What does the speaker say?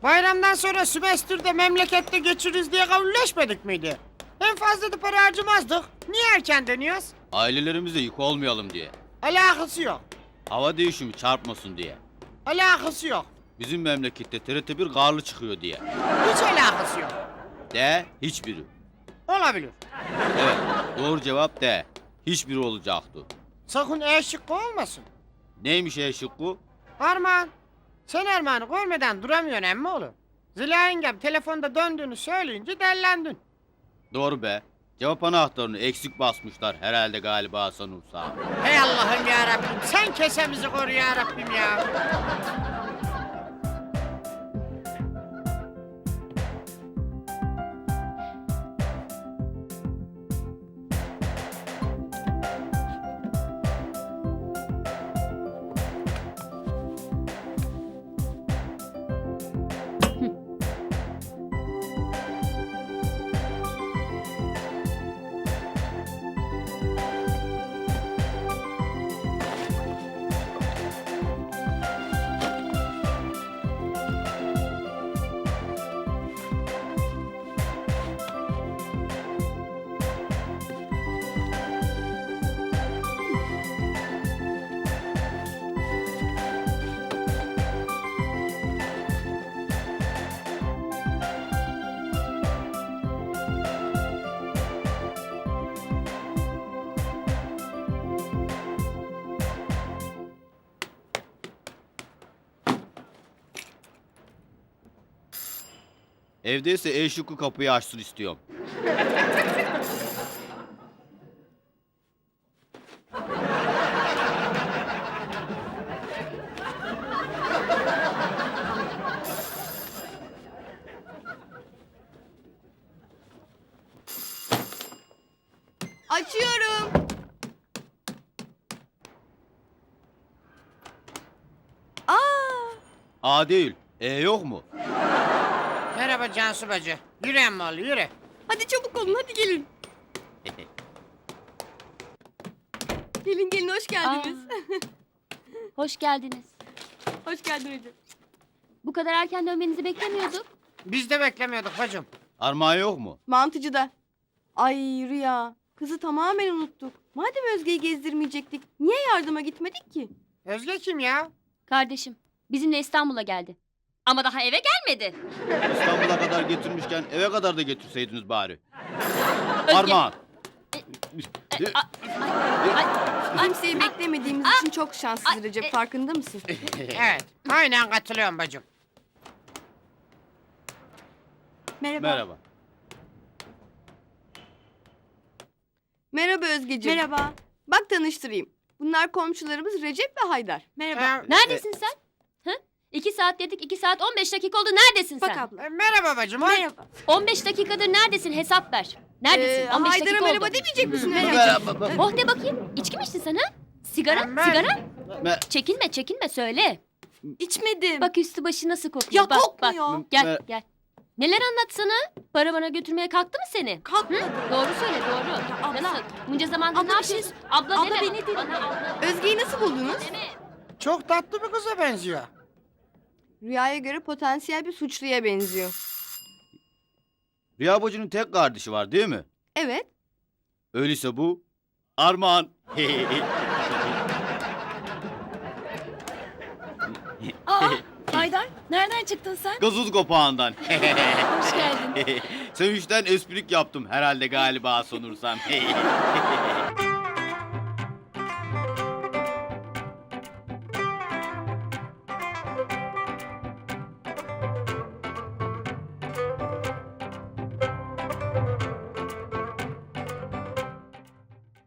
Bayramdan sonra sömestrde memlekette geçiririz diye kabulleşmedik miydi? En fazla da para harcamazdık. Niye erken dönüyoruz? Ailelerimize yük olmayalım diye. Alakası yok. Hava değişimi çarpmasın diye. Alakası yok. Bizim memlekette TRT1 karlı çıkıyor diye. Hiç alakası yok. De hiçbiri. Olabilir. Evet, doğru cevap de. Hiçbiri olacaktı. Sakın E şıkkı olmasın. Neymiş şıkkı? Armağan. Sen Armağan'ı görmeden duramıyorsun emmoğlu. Zila yengem telefonda döndüğünü söyleyince dellendin. Doğru be. Cevap anahtarını eksik basmışlar herhalde galiba sanırsam. Hey Allah'ım ya Rabbim, sen kesemizi koru ya Rabbim ya. Evdeyse şıkkı kapıyı açsın istiyorum. Açıyorum. Aa, A değil. Yok mu? Merhaba Cansu bacı. Yürü emmoğlu yürü. hadi çabuk olun, hadi gelin. Gelin gelin, hoş geldiniz. Hoş geldiniz. Hoş geldin Recep. Bu kadar erken dönmenizi beklemiyorduk. Biz de beklemiyorduk bacım. Armağan yok mu? Mantıcıda. Ay Rüya, kızı tamamen unuttuk. Madem Özge'yi gezdirmeyecektik, niye yardıma gitmedik ki? Özge kim ya? Kardeşim, bizimle İstanbul'a geldi. Ama daha eve gelmedi. İstanbul'a kadar getirmişken eve kadar da getirseydiniz bari. Özge. Armağan. Kimseyi beklemediğimiz için çok şanslıyız Recep, farkında mısın? Evet, aynen katılıyorum bacım. Merhaba. Merhaba. Merhaba Özgeciğim. Merhaba. Bak tanıştırayım. Bunlar komşularımız Recep ve Haydar. Neredesin sen? Hı? 2 saat dedik, 2 saat 15 dakika oldu. Neredesin sen? abla. Merhaba bacım. Merhaba. 15 dakikadır neredesin? Hesap ver. Neredesin? 15 Haydar'a dakika merhaba oldu. demeyecek misin? Merhaba. Oh de bakayım. İçki mi içtin sen ha? Sigara? Ben- Sigara? Me- Çekinme, çekinme söyle. İçmedim. Bak üstü başı nasıl kokuyor. Ya bak, kokmuyor. Bak. Gel, Me- gel. Neler anlatsana? Para bana götürmeye kalktı mı seni? Kalkmadı. Doğru söyle, doğru. abla. Nasıl? Bunca zamandır Abla, ne bir şey- yapıyorsun? Abla, Abla, deme. beni dinle. Bana abla Özge'yi nasıl buldunuz? deme. Çok tatlı bir kıza benziyor. Rüyaya göre potansiyel bir suçluya benziyor. Rüya bacının tek kardeşi var değil mi? Evet. Öyleyse bu Armağan. Haydar, nereden çıktın sen? Gazoz kopağından. Hoş geldin. Sevinçten esprik yaptım herhalde galiba sanırsam.